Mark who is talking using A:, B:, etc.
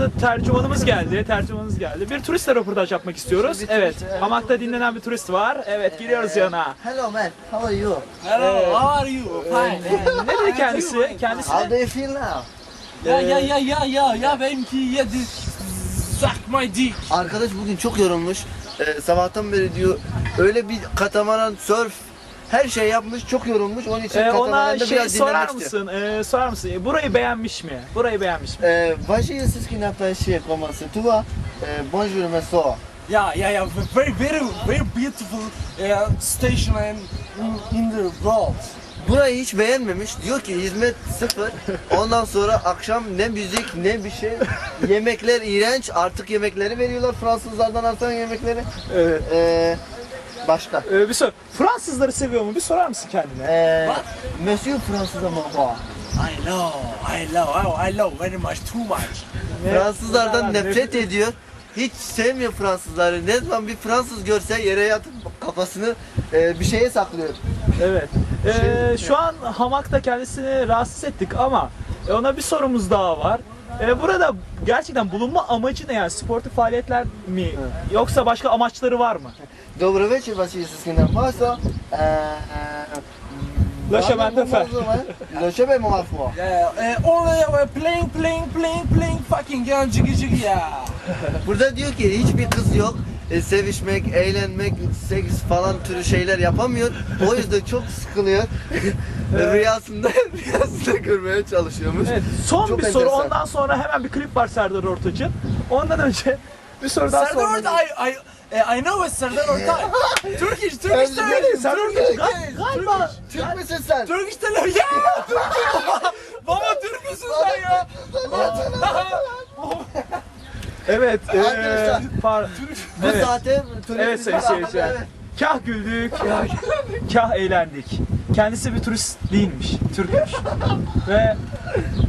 A: yanımıza tercümanımız geldi. Bir turistle röportaj yapmak istiyoruz. Evet, hamakta dinlenen bir turist var. Evet, giriyoruz yanına.
B: Hello man, how are you?
C: Hello, how are you? Fine.
A: Ne dedi kendisi?
B: How do you feel now?
C: Ya benimki yedi. Suck my dick.
B: Arkadaş bugün çok yorulmuş. Sabahtan beri diyor öyle bir katamaran, surf her şey yapmış, çok yorulmuş. Onun için
A: Ona
B: katamaranda
A: şey
B: biraz
A: sorar
B: dinlenmek istiyor.
A: mısın? Burayı beğenmiş mi?
B: Voici ce qui n'a pas chier comment c'est toi? Bonjour monsieur.
C: Yeah. Very beautiful station in the world.
B: Burayı hiç beğenmemiş. Diyor ki hizmet sıfır. Ondan sonra akşam ne müzik ne bir şey. Yemekler iğrenç. Artık yemekleri veriyorlar Fransızlardan artan yemekleri.
A: Evet.
B: Başka.
A: Bir sor. Fransızları seviyor mu? Bir sorar mısın kendine?
B: Monsieur Fransız ama
C: I love very much, too much.
B: Fransızlardan nefret ediyor. Hiç sevmiyor Fransızları. Ne zaman bir Fransız görse yere yatıp kafasını bir şeye saklıyor.
A: Evet. Şu an hamakta kendisini rahatsız ettik ama ona bir sorumuz daha var. Burada gerçekten bulunma amacı ne yani? Sportif faaliyetler mi? Yoksa başka amaçları var mı?
B: Добрый вечер, Василий Сискина Фасо.
A: Le chemin de fer.
B: Le chemin de fer.
C: Only playing fucking gun jiggy ya.
B: Burada diyor ki hiçbir kız yok. Sevişmek, eğlenmek, seks falan türü şeyler yapamıyor. O yüzden çok sıkılıyor. Rüyasında görmeye çalışıyormuş.
A: Evet, son
B: Çok
A: bir soru.
B: enteresan.
A: Ondan sonra hemen bir klip var Serdar Ortaç'ın. Ondan önce bir soru daha
C: Serdar
A: sormak
C: Ortaç, I know it's Serdar Ortaç. Turkish television.
A: Galiba
B: Türk müsün sen?
C: Turkish television. Ya Türk. Baba Türk müsün sen ya?
A: evet.
B: Arkadaşlar, Bu
A: Evet.
B: zaten
A: Evet sayın seyirciler. Kah güldük, kah eğlendik. Kendisi bir turist değilmiş, Türkmüş. Ve